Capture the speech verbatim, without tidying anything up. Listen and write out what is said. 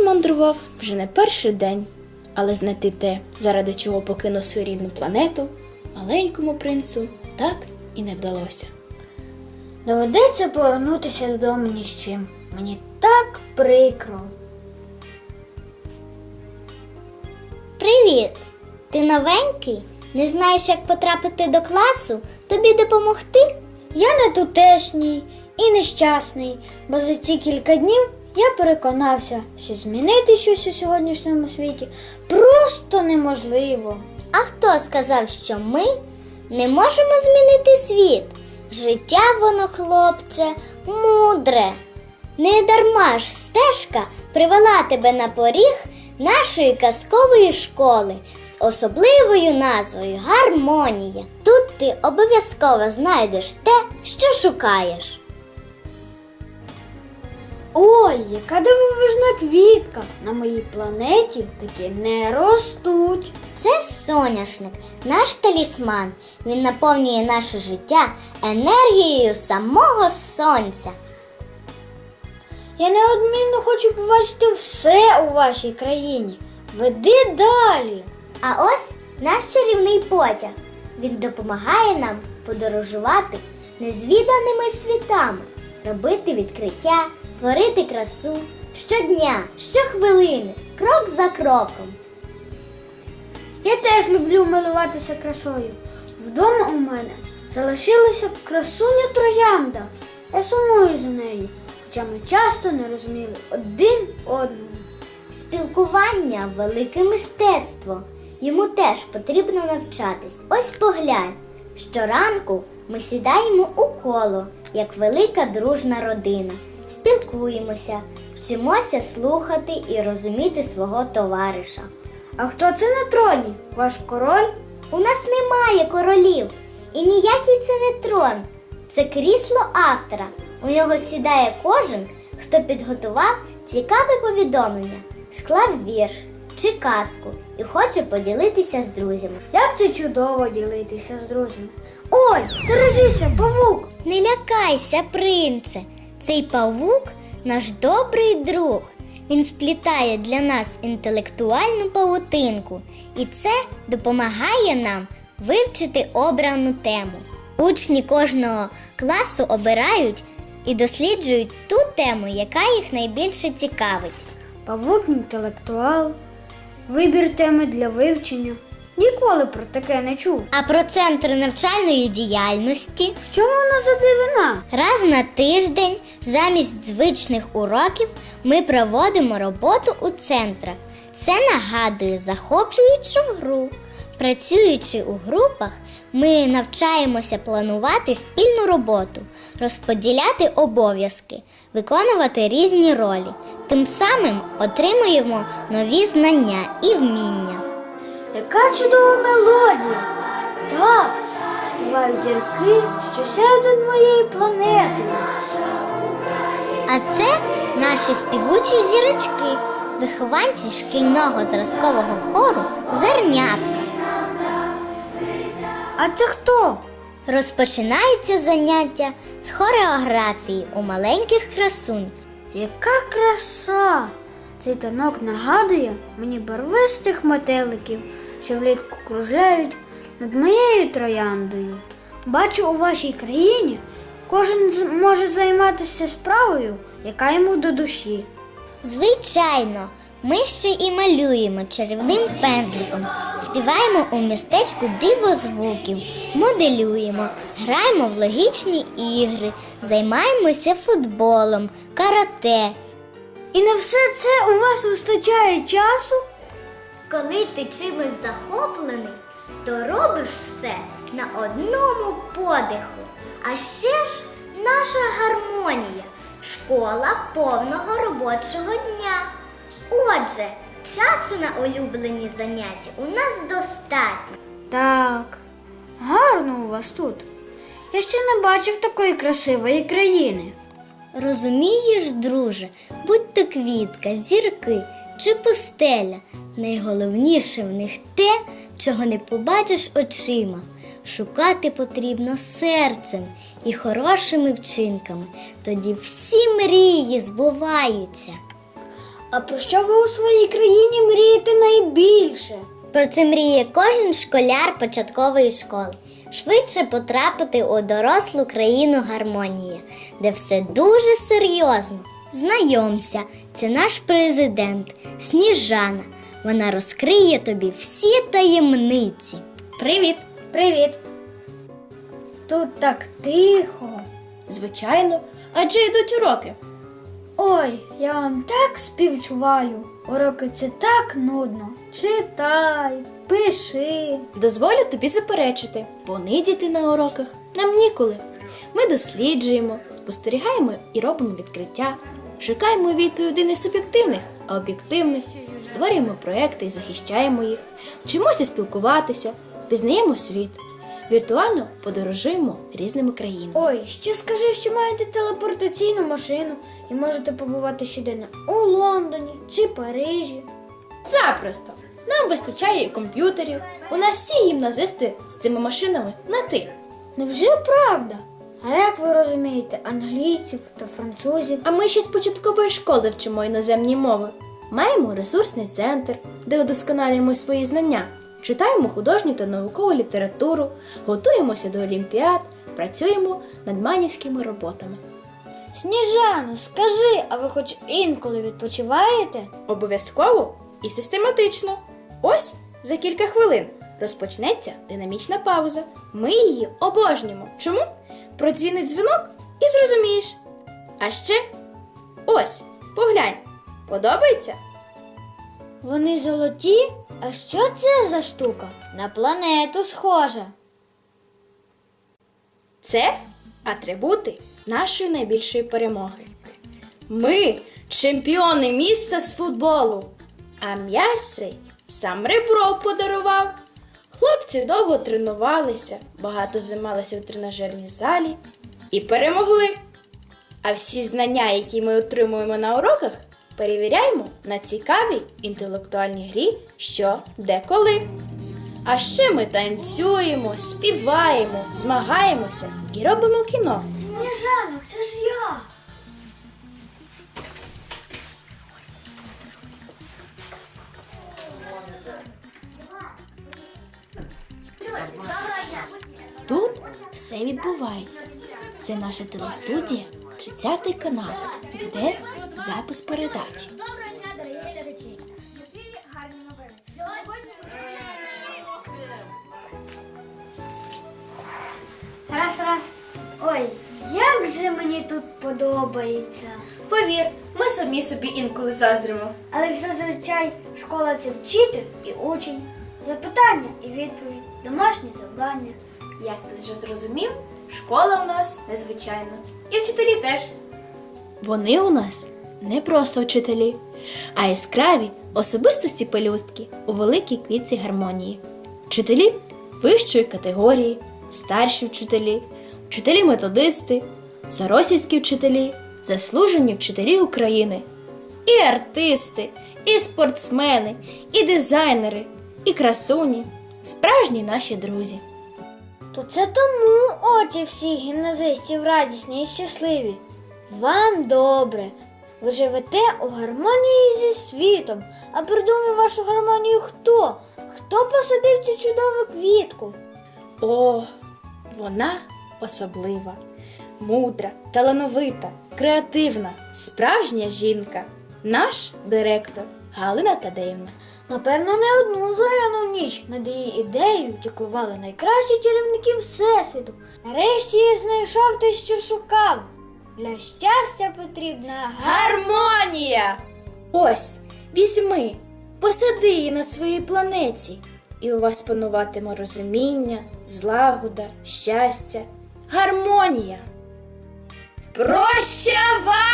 мандрував вже не перший день, але знайти те, заради чого покинув свою рідну планету, маленькому принцу так і не вдалося. Доведеться повернутися додому ні з чим. Мені так прикро. Привіт! Ти новенький? Не знаєш, як потрапити до класу? Тобі допомогти? Я не тутешній і нещасний, бо за ці кілька днів я переконався, що змінити щось у сьогоднішньому світі просто неможливо. А хто сказав, що ми не можемо змінити світ? Життя воно, хлопче, мудре. Не дарма ж стежка привела тебе на поріг нашої казкової школи з особливою назвою «Гармонія». Тут ти обов'язково знайдеш те, що шукаєш. Ой, яка дивовижна квітка! На моїй планеті такі не ростуть. Це соняшник, наш талісман. Він наповнює наше життя енергією самого сонця. Я неодмінно хочу побачити все у вашій країні. Веди далі. А ось наш чарівний потяг. Він допомагає нам подорожувати незвіданими світами, робити відкриття, творити красу щодня, щохвилини, крок за кроком. Я теж люблю милуватися красою. Вдома у мене залишилася красуня троянда. Я сумую за нею, хоча ми часто не розуміли один одного. Спілкування – велике мистецтво. Йому теж потрібно навчатись. Ось поглянь. Щоранку ми сідаємо у коло, як велика дружна родина. Спілкуємося, вчимося слухати і розуміти свого товариша. А хто це на троні? Ваш король? У нас немає королів. І ніякий це не трон. Це крісло автора. У нього сідає кожен, хто підготував цікаве повідомлення, склав вірш чи казку і хоче поділитися з друзями. Як це чудово ділитися з друзями. Ой, стережися, павук! Не лякайся, принце. Цей павук – наш добрий друг. Він сплітає для нас інтелектуальну павутинку. І це допомагає нам вивчити обрану тему. Учні кожного класу обирають і досліджують ту тему, яка їх найбільше цікавить. Павук інтелектуал, вибір теми для вивчення. Ніколи про таке не чув. А про центри навчальної діяльності? Що вона за дивина? Раз на тиждень замість звичних уроків ми проводимо роботу у центрах. Це нагадує захоплюючу гру. Працюючи у групах, ми навчаємося планувати спільну роботу, розподіляти обов'язки, виконувати різні ролі. Тим самим отримуємо нові знання і вміння. Яка чудова мелодія! Так, співають зірки, що сяють над моєю планетою. А це наші співучі зірочки, вихованці шкільного зразкового хору «Зернятка». А це хто? Розпочинається заняття з хореографії у маленьких красунь. Яка краса! Цей танок нагадує мені барвистих метеликів, що влітку кружляють над моєю трояндою. Бачу, у вашій країні кожен може займатися справою, яка йому до душі. Звичайно, ми ще і малюємо чарівним пензликом, співаємо у містечку дивозвуків, моделюємо, граємо в логічні ігри, займаємося футболом, карате. І на все це у вас вистачає часу? Коли ти чимось захоплений, то робиш все на одному подиху. А ще ж наша гармонія – школа повного робочого дня. Отже, часу на улюблені заняття у нас достатньо. Так, гарно у вас тут. Я ще не бачив такої красивої країни. Розумієш, друже, будь то квітка, зірки чи пустеля, найголовніше в них те, чого не побачиш очима. Шукати потрібно серцем і хорошими вчинками. Тоді всі мрії збуваються. А про що ви у своїй країні мрієте найбільше? Про це мріє кожен школяр початкової школи. Швидше потрапити у дорослу країну гармонії, де все дуже серйозно. Знайомся, це наш президент Сніжана. Вона розкриє тобі всі таємниці. Привіт! Привіт. Тут так тихо. Звичайно, адже йдуть уроки. Ой, я вам так співчуваю. Уроки це так нудно. Читай, пиши. Дозволю тобі заперечити, бо нидіти на уроках нам ніколи. Ми досліджуємо, спостерігаємо і робимо відкриття, шукаємо відповідей не суб'єктивних, а об'єктивних, створюємо проекти і захищаємо їх, вчимося спілкуватися, пізнаємо світ, віртуально подорожуємо різними країнами. Ой, ще скажи, що маєте телепортаційну машину і можете побувати щоденно у Лондоні чи Парижі. Запросто! Нам вистачає і комп'ютерів, у нас всі гімназисти з цими машинами на «ти». Невже правда? А як ви розумієте англійців та французів? А ми ще з початкової школи вчимо іноземні мови. Маємо ресурсний центр, де удосконалюємо свої знання, читаємо художню та наукову літературу, готуємося до олімпіад, працюємо над манівськими роботами. Сніжано, скажи, а ви хоч інколи відпочиваєте? Обов'язково і систематично. Ось за кілька хвилин розпочнеться динамічна пауза. Ми її обожнюємо. Чому? Продзвінить дзвінок і зрозумієш. А ще ось, поглянь, подобається? Вони золоті? А що це за штука? На планету схожа. Це атрибути нашої найбільшої перемоги. Ми чемпіони міста з футболу, а м'яч цей сам Ребров подарував. Хлопці довго тренувалися, багато займалися у тренажерній залі і перемогли. А всі знання, які ми отримуємо на уроках, перевіряємо на цікавій інтелектуальній грі «Що, де, коли». А ще ми танцюємо, співаємо, змагаємося і робимо кіно. Сніжано, це ж я. Тут все відбувається. Це наша телестудія, тридцятий канал, де запис передачі. Доброго дня, дорогі глядачі. В ефірі гарні новини. Сьогодні... Раз, раз. Ой, як же мені тут подобається. Повір, ми самі собі інколи заздримо. Але зазвичай школа це вчитель і учень. Запитання і відповідь, домашні завдання. Як ти вже зрозумів, школа у нас незвичайна. І вчителі теж. Вони у нас не просто вчителі, а яскраві особистості пелюстки у великій квітці гармонії. Вчителі вищої категорії, старші вчителі, вчителі-методисти, соросівські вчителі, заслужені вчителі України. І артисти, і спортсмени, і дизайнери, і красуні, справжні наші друзі. То це тому очі всіх гімназистів радісні і щасливі. Вам добре. Ви живете у гармонії зі світом. А придумав вашу гармонію хто? Хто посадив цю чудову квітку? О, вона особлива, мудра, талановита, креативна, справжня жінка. Наш директор Галина Тадеївна. Напевно, не одну зоряну ніч над її ідеєю чеклували найкращі чарівники Всесвіту. Нарешті я знайшов те, що шукав. Для щастя потрібна Гармонія! Ось, візьми, посади її на своїй планеті, і у вас пануватиме розуміння, злагода, щастя, гармонія. Прощавай!